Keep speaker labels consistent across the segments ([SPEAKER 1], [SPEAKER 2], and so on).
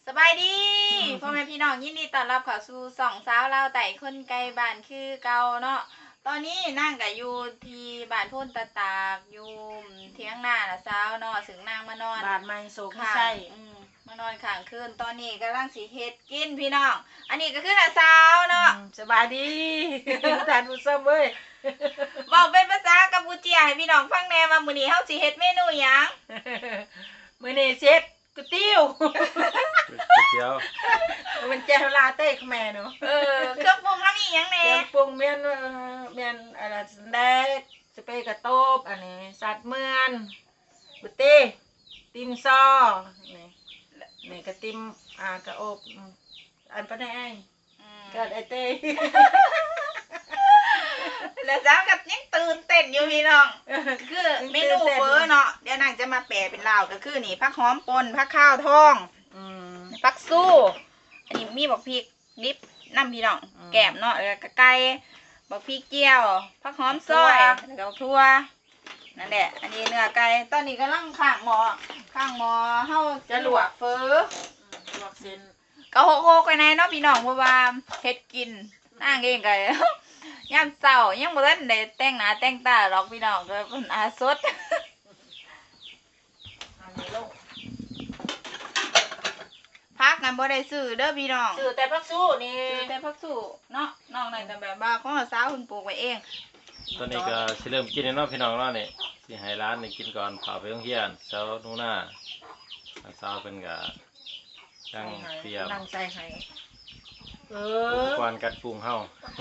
[SPEAKER 1] บายดีพ่อแม่พี่น้องยินดีต้อนรับเข้าสู่สองสาวลาวไต่คนไกลบ้านคือเก่าเนาะตอนนี้นั่งกับอยู่ที่บ้านพุ่นตะตากอยู่เที่ยงหน้าละสาวเนาะถึงนางมานอน
[SPEAKER 2] บ้านใหม่โศก
[SPEAKER 1] ข้าง
[SPEAKER 2] ใช่
[SPEAKER 1] มานอนข้างคืนตอนนี้กำลังสิเฮ็ดกินพี่น้องอันนี้ก็คือละสาวเนาะ
[SPEAKER 2] สบายดีทานผู้ชมเว้ย
[SPEAKER 1] บอกเป็นภาษากัมพูเชียให้พี่น้องฟังแหน่ว่ามื้อนี้เฮาสิเฮ็ดเมนูหยัง
[SPEAKER 2] มื้อนี้เช็ดก๋วยเตี๋ยว
[SPEAKER 3] ก๋วยเตี๋ยว
[SPEAKER 2] มันแจ่วลาเต้ขแม่เนาะ
[SPEAKER 1] เครื่องปรุงเฮามีหยังแหน่
[SPEAKER 2] เครื่องปรุงเมียนอะไรสันแดกสเปรย์กระโตบอันนี้สัตว์เมือนบุเต้ติมซอนี่กระติมกระอบอันปะไหนก็ไอเต้
[SPEAKER 1] แล้วจ้ากับยังตื่นเต้นอยู่พี่น้อง คือเมนูเฟอเนาะเดี๋ยวนางจะมาแปลเป็นลาวก็คือนี่ผักหอมป่นผักข้าวทองผักสู้อันนี้มีบักพริกดิบน้ำพี่น้องแกมเนาะแล้วก็ไก่บักพริกเจียวผักหอมซอยแล้วก็ทั่วนั่นแหละอันนี้เนื้อไก่ตอนนี้กำลังข้างหม้อเฮาจะลวกเฟอ
[SPEAKER 2] ลวกเส้น
[SPEAKER 1] ก็โฮกๆไปในเนาะพี่น้องเพราะว่าเฮ็ดกินนางเองก็ ยามเช้ายังบ่ทันได้แต่งหน้าแต่งตาหรอกพี่น้องก็เพิ่นอาสด
[SPEAKER 2] อันนี้ลง
[SPEAKER 1] พักกันบ่ได้ซื้อเด้อพี่น้อง
[SPEAKER 2] ซื้อแต่ผักสู้นี่
[SPEAKER 1] ซื้อแต่ผักสู้เนาะนอกนั้นก็แบบว่าของสาวเพิ่นปลูกไว้เอง
[SPEAKER 3] ตอนนี้ก็สิเริ่มกินแล้วเนาะพี่น้องเนาะนี่สิให้ร้านนี่กินก่อนพาไปโรงเรียนเช้าหนูหน้าเช้าเป็นก็ยังเตรียม
[SPEAKER 2] นั่งใส่ให้
[SPEAKER 3] อุปกรณ์กัดปรุงเฮา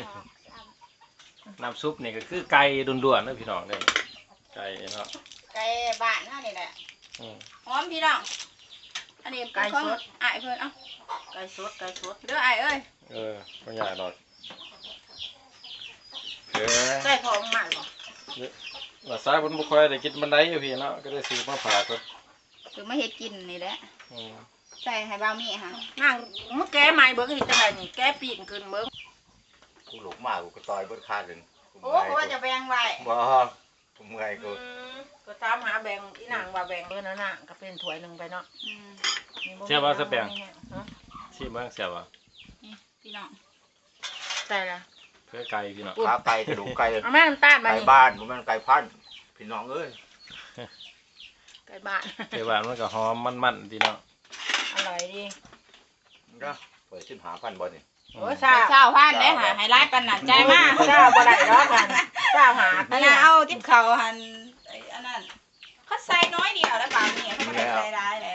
[SPEAKER 3] น้ำซุปนี่ก็คือไก่ด่วนๆเด้อพี่น้องเด้อไก่เนาะ
[SPEAKER 1] ไก่บ้านเฮานี่แหละหอมพี่น้องอันนี้ไก่สดอ้ายเพิ่นเอ้า
[SPEAKER 2] ไก่สด
[SPEAKER 1] เด้ออ้ายเอ้ย
[SPEAKER 3] บ่ยากดอก
[SPEAKER 2] ใส่ของใหม่บ่
[SPEAKER 3] ว่าสายเพิ่นบ่ค่อยได้กินบันไดอยู่พี่เนาะก็ได้ซื้อมาฝากเพิ่น
[SPEAKER 1] คือมาเฮ็ดกินนี่แหละใส่ให้บ่าวมีค่ะ
[SPEAKER 2] นั่งมึงแก้ใหม่เบิ่งอีกจังไดนี่แก้ปีนขึ้นเบิ่ง
[SPEAKER 4] กูหลกมากกูก็ต่อยเบิดคาดเลย
[SPEAKER 1] โอ้กูว่าจะแบ่งไว้
[SPEAKER 4] บ่กูเมื่อยกู
[SPEAKER 2] ก็ตามหาแบ่งอีนางว่าแบ่งเบิ่งนั่นน่ะก็เป็นถ้วยนึงไปเนาะ
[SPEAKER 3] เสียบ่สแปงสิเบิ่งเสียบ่
[SPEAKER 1] นี่พี่น้อง
[SPEAKER 2] ใส่ละ
[SPEAKER 3] เพื่อไก่พี่น้อง
[SPEAKER 4] ขาไก่กระดูกไก่
[SPEAKER 2] เอาแม่น้ำตาลมา
[SPEAKER 4] ไก่
[SPEAKER 2] นี่
[SPEAKER 4] บ้านบ่แม่นไก่พันธุ์พี่น้องเอ้ย
[SPEAKER 2] ไก่บ้าน
[SPEAKER 3] ไก่บ้านมันก็หอมมันๆพี่น้อง
[SPEAKER 2] อร่อยดี
[SPEAKER 4] ก็เปิด15,000บ่นี่
[SPEAKER 2] โอ้
[SPEAKER 1] เช้าพันได้หาให้ร้ายปันหนักใจมาก
[SPEAKER 2] เจ้าบ่ได้ดอกกันเจ้าหา
[SPEAKER 1] อันนั้นเอาทิพเขาหันไอ้อันนั้นเขาใส่น้อยเดียวแล้วเปล่าเนี่ยเขาไม่ได้ใส่ได้แหละ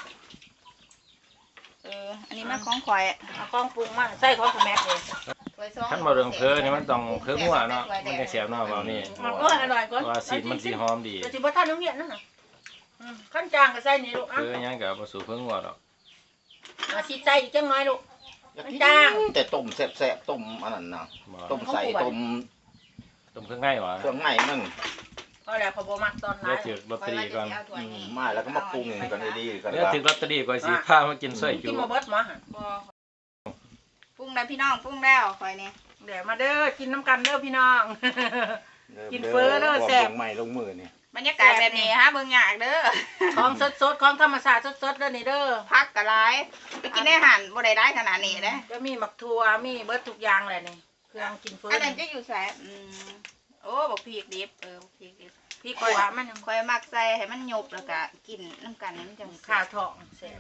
[SPEAKER 1] อันนี้มันของข่อย
[SPEAKER 2] เอากล้องปรุงมาใส่ของสแม็กเลย
[SPEAKER 3] ขั้นมาเรื่องเพอนี่มันต้องเพองัวเนาะมันจะเสียบเนาะเบานี่
[SPEAKER 2] มันก็อร่อยกว่า
[SPEAKER 3] ว่าสีมันสีหอมดี
[SPEAKER 2] แต่สิบ่ทันโรงเรียนนั่นน่ะขั้นจางก็ใส่นี่ลูก
[SPEAKER 3] เพอยังกับผสมเพองัวดอก
[SPEAKER 2] สิใส่อีกจังน้อยลูก
[SPEAKER 4] จ้างแต่ต้มแซ่บๆต้มอันนั้นน่ะต้มใส่ต้ม
[SPEAKER 3] ต้มเครื่องง่ายวะ
[SPEAKER 4] เครื่องในมัน
[SPEAKER 2] ก็แล้วพอบ่มักตอนนั้
[SPEAKER 3] เดี๋ยวน ถือลอตเตอรี่ก่อน
[SPEAKER 4] มาแล้วก็มาปรุงกันดีๆกัน
[SPEAKER 3] เดี๋ยวถือลอตเตอรี่ก่อนสิพามากินสวยจู
[SPEAKER 2] กินบ่เบิดหมอหั่น
[SPEAKER 1] ปรุงได้พี่น้องปรุงแล้วข่อยนี่
[SPEAKER 2] เดี๋ยวมาเด้อกินน้ำกันเด้อพี่น้องกินเฟ้อเด้อแซ่บ
[SPEAKER 4] ลงไม้ลงมือนี่
[SPEAKER 1] บรรยากาศแบบนี้ฮะเบิ่งยากเด้อ
[SPEAKER 2] ของสดๆของธรรมชาติสดๆเด้อนี่เด้อ
[SPEAKER 1] พักกะหลายไปกินได้หันบ่ได้ขนาดนี้เด้
[SPEAKER 2] ก็มีหมักถั่วมีเบิดทุกอย่างแหละนี่เครื่องกินเฟ้อ
[SPEAKER 1] อันนั้นจะอยู่ใส่โอ้บักพริกดิบบักพริกดิบ
[SPEAKER 2] พี่ขัวมัน
[SPEAKER 1] ข่อยมักใส่ให้มันหยบแล้วก็กินน้ำกันมันจัง
[SPEAKER 2] ข้าวทองแซ่บ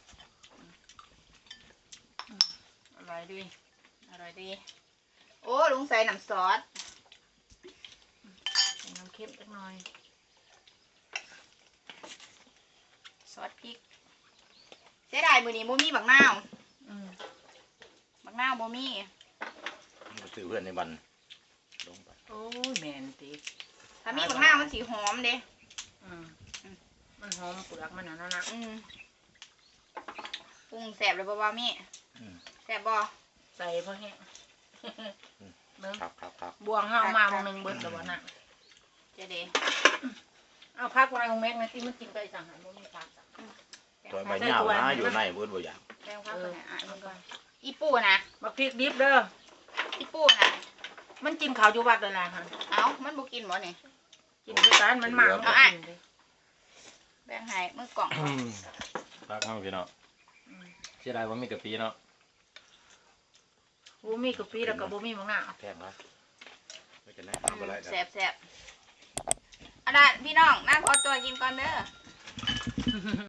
[SPEAKER 2] อร่อยดี
[SPEAKER 1] อร่อยดีโอ้ลุงใส่น้ำซอส
[SPEAKER 2] น้ำเค็มจักหน่อย
[SPEAKER 1] ซอสพริกเสียดายมื้อนี้บ่มีบักนาวบักนาวบ่มี
[SPEAKER 4] ซื้อเพื่อนในบ้านลงไป
[SPEAKER 2] โอ้ยแม่นติ
[SPEAKER 1] ถ้ามีบักนาวมันสิหอมเด้
[SPEAKER 2] มันหอมเปลือกมันน่ะนะ
[SPEAKER 1] ปรุงแซ่บเลยบ่ว่ามีแซ่บบ่
[SPEAKER 2] ใส่พอแห้งเบิ่ง
[SPEAKER 4] ครับ
[SPEAKER 2] บวงเฮามามื้อนึงเบิดแล้วบ่น่ะ
[SPEAKER 1] เจ๊เด้
[SPEAKER 2] เอาพักไว้ของแม็กนะที่มันกินไปสั่งหันบ่มีพักจ้ะ
[SPEAKER 4] ตัวใบหญ้านะอยู่ในเบิดบ่อย่าง
[SPEAKER 1] แป้งพักไปให้อ่ะมันก่อนอีปูนะ
[SPEAKER 2] บักพริกดิบเด้อ
[SPEAKER 1] อีปูนะ
[SPEAKER 2] มันกินข้าวอยู่วัดนั่นล่ะหั่น
[SPEAKER 1] เอ้ามันบ่กินบ่นี่
[SPEAKER 2] กินด้วยกันมันมามันก็กินเด้
[SPEAKER 1] แบ่งให้มื้อกล่อง
[SPEAKER 3] พักเข้าพี่น้องเสียดายว่ามีกะปิเนาะ
[SPEAKER 2] บ่มีกะปิแล้วก็บ่มีมะนาว
[SPEAKER 4] แพงนะไม่จะแนะนำอะไร
[SPEAKER 1] แซ่บๆอันนั้นพี่น้องนั่งขอตัวกินก่อนเด้อ